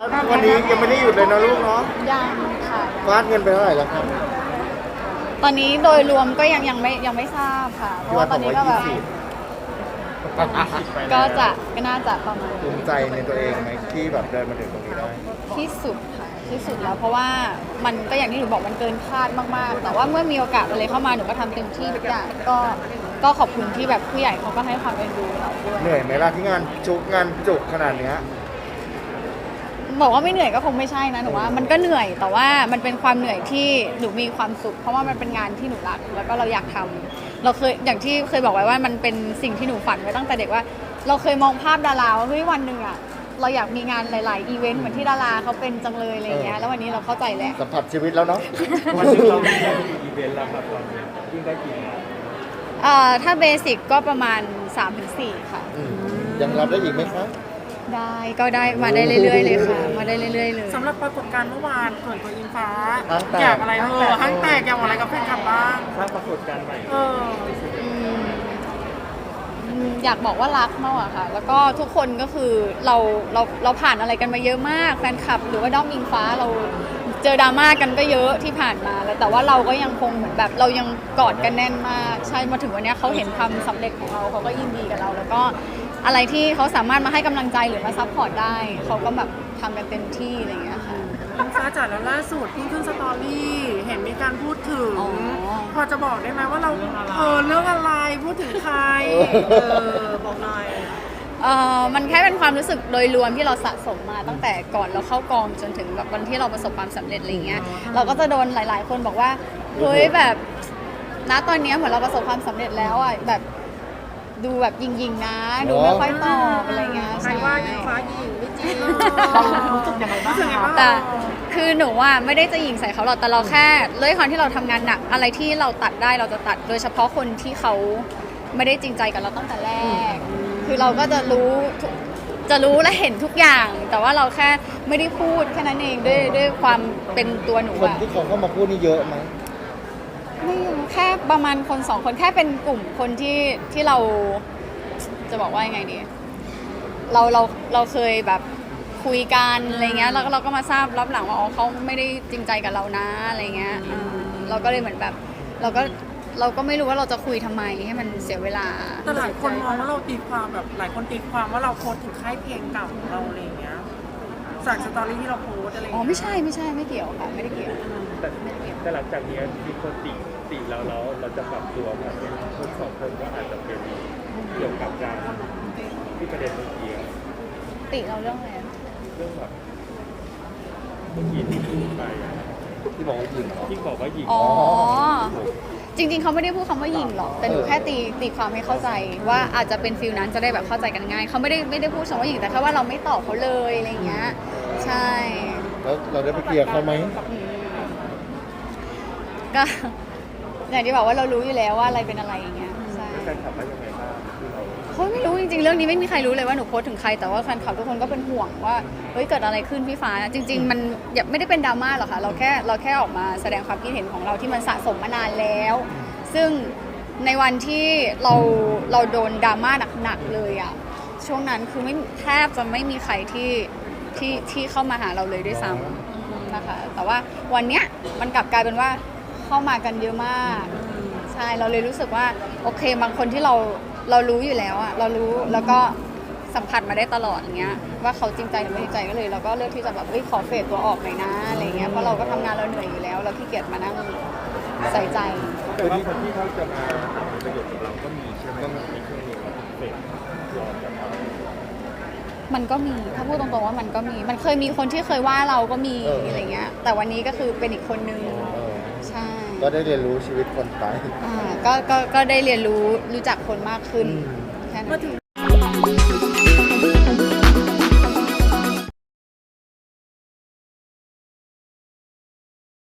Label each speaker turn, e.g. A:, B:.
A: วันนี้ยังไม่ได้หยุดเลยนะลูกเนาะ
B: ยังค่ะ
A: ฟาดเงินไปเท่าไหร่แล้วครับ
B: ตอนนี้โดยรวมก็ยังไม่ทราบค่ะเพราะว่าตอนนี้ก็แบบก็น่าจะประมาณ
A: ภูมิใจในตัวเองไหมที่แบบเดินมาถึงตรงนี้ได้
B: ที่สุดค่ะที่สุดแล้วเพราะว่ามันก็อย่างที่หนูบอกมันเกินคาดมากๆแต่ว่าเมื่อมีโอกาสอะไรเข้ามาหนูก็ทำเต็มที่ทุกอย่างก็ขอบคุณที่แบบผู้ใหญ่เขาก็ให้ความเอ็นดูเราด้วย
A: เหนื่อยไหมล่ะที่งานจุกขนาดเนี้ย
B: บอกว่าไม่เหนื่อยก็คงไม่ใช่นะหนูว่ามันก็เหนื่อยแต่ว่ามันเป็นความเหนื่อยที่หนูมีความสุขเพราะว่ามันเป็นงานที่หนูรักแล้วก็เราอยากทำเราเคยอย่างที่เคยบอกไว้ว่ามันเป็นสิ่งที่หนูฝันไว้ตั้งแต่เด็กว่าเราเคยมองภาพดาราว่าเฮ้ยวันหนึ่งอะเราอยากมีงานหลายๆอีเวนต์เหมือนที่ดาราเขาเป็นจังเลยอะไรเงี้ยแล้ววันนี้เราเข้าใจแล้ว
A: สัมผัสชีวิตแล้วเนาะ
C: วันนี้เรามีอีเวนต์แล้วครับตอนนี้ยิ่งได้กี่งาน
B: ถ้าเบสิกก็ประมาณ 3-4 ค่ะ
A: ยังรับได้อีกไหมคะ
B: ได้มาได้เรื่อยๆเลยค่ะมาได้เรื่อยๆเลย
D: สำหรับปรากฏการณ์เมื่อวานเกิดตัวอิงฟ้าอยากอะไรห้างแตกอยากอะไรกับแฟนคลับบ้าง
C: สร้างปรากฏการณ์ใหม่
B: อยากบอกว่ารักมากอะค่ะแล้วก็ทุกคนก็คือเราผ่านอะไรกันมาเยอะมากแฟนคลับหรือว่าด้อมอิงฟ้าเราเจอดราม่ากันก็เยอะที่ผ่านมาแล้วแต่ว่าเราก็ยังคงเหมือนแบบเรายังกอดกันแน่นมากใช่มาถึงวันนี้เขาเห็นความสำเร็จของเราเขาก็ยินดีกับเราแล้วก็อะไรที่เขาสามารถมาให้กำลังใจหรือมาซัพพอร์ตได้เขาก็แบบทำกันเต็มที่อะไรอย่างเงี้ยค่ะ
D: อิงฟ้าจ๋าแล้วล่าสุดเพิ่งขึ้นสตอรี่เห็นมีการพูดถึงพอจะบอกได้ไหมว่าเราเรื่องอะไรพูดถึงใครบอกหน่อย
B: มันแค่เป็นความรู้สึกโดยรวมที่เราสะสมมาตั้งแต่ก่อนเราเข้ากองจนถึงแบบวันที่เราประสบความสำเร็จอะไรเงี้ยเราก็จะโดนหลายๆคนบอกว่าเฮ้ยแบบณตอนนี้เหมือนเราประสบความสำเร็จแล้วอ่ะแบบดูแบบยิงๆนะดูไม่ค่อยตอบอะไรเงี้ย
D: ใครว่าอิงฟ้ายิงไม่จริงรู้สึกยังไงบ้าง
B: แต่คือหนูว่าไม่ได้จะยิงใส่เขาหรอกแต่เราแค่ด้วยความที่เราทำงานหนักอะไรที่เราตัดได้เราจะตัดโดยเฉพาะคนที่เขาไม่ได้จริงใจกับเราตั้งแต่แรกคือเราก็จะรู้และเห็นทุกอย่างแต่ว่าเราแค่ไม่ได้พูดแค่นั้นเองด้วยความเป็นตัวหนู
A: คนที่เขาเข้ามาพูดนี่เยอะไหม
B: ไม่แค่ประมาณคน2 คนแค่เป็นกลุ่มคนที่เราจะบอกว่ายังไงดีเราเคยแบบคุยกันอะไรเงี้ยแล้วเราก็มาทราบรับหลังว่าอ๋อเขาไม่ได้จริงใจกับเรานะอะไรเงี้ยเราก็เลยเหมือนแบบเราก็ไม่รู้ว่าเราจะคุยทำไมให้มันเสียเวลา
D: แต่หลายคนมองว่าเราตีความแบบหลายคนตีความว่าเราโพสถึงค่ายเพลงเก่าของเราอะไรเงี้ยจากสตอรี่ที่เราโพสอะไร
B: อ๋อไม่ใช่ไม่เกี่ยวค่ะไม่ได้เกี่ยว
C: แต่หลังจากนี้มีคนติแล้วเราจะปรับตัวมาเป็นคน2 คนก็อาจจะเป็นเกี่ยวกับการที่ประเด็นเมื่อกี้
B: ติเราเรื่องอะไร
C: เรื่องแบบเมื่อกี้ที่พูดไป
A: ที่บอกว่ายิง
C: ที่บอกว่ายิง
B: อ๋อจริงๆเขาไม่ได้พูดคำว่ายิงหรอกแต่หนูแค่ตีความให้เข้าใจว่าอาจจะเป็นฟิลนั้นจะได้แบบเข้าใจกันง่ายเขาไม่ได้พูดคำว่ายิงแต่แค่ว่าเราไม่ตอบเขาเลยอะไรเงี้ยใช่
A: แล้วเราได้ไปเคลียร์เขาไหม
B: ก็อย่างที่บอกว่าเรารู้อยู่แล้วว่าอะไรเป็นอะไรอย่างเงี้ยใช่
C: แฟนคลับว่ายังไงบ้าง
B: เขาไม่รู้จริงๆเรื่องนี้ไม่มีใครรู้เลยว่าหนูโพสถึงใครแต่ว่าแฟนคลับทุกคนก็เป็นห่วงว่าเฮ้ยเกิดอะไรขึ้นพี่ฟ้าจริงๆมันไม่ได้เป็นดราม่าหรอกค่ะเราแค่ออกมาแสดงความคิดเห็นของเราที่มันสะสมมานานแล้วซึ่งในวันที่เราโดนดราม่าหนักๆเลยอ่ะช่วงนั้นคือแทบจะไม่มีใครที่เข้ามาหาเราเลยด้วยซ้ำนะคะแต่ว่าวันเนี้ยมันกลับกลายเป็นว่าเข้ามากันเยอะมากใช่เราเลยรู้สึกว่าโอเคบางคนที่เรารู้อยู่แล้วอะเรารู้แล้วก็สัมผัสมาได้ตลอดอย่างเงี้ยว่าเขาจริงใจหรือไม่จริงใจก็เลยเราก็เลือกที่จะแบบขอเฟดตัวออกหน่อยนะอะไรเงี้ยเพราะเราก็ทำงานเราเหนื่อยอยู่แล้วเราขี้เกียจมานั่งใส่ใจ
C: แต่ว่าคนที่เขาจะมาหาประโยชน์กับเราก็มีใช่ไหมมีเครื่องมือเฟดตัวกับเรา
B: มันก็มีถ้าพูดตรงๆว่ามันก็มีมันเคยมีคนที่เคยว่าเราก็มีอะไรเงี้ยแต่วันนี้ก็คือเป็นอีกคนนึงใช่
A: ก็ได้เรียนรู้ชีวิตคนไป
B: ก็ได้เรียนรู้จักคนมากขึ้นแค่นั้น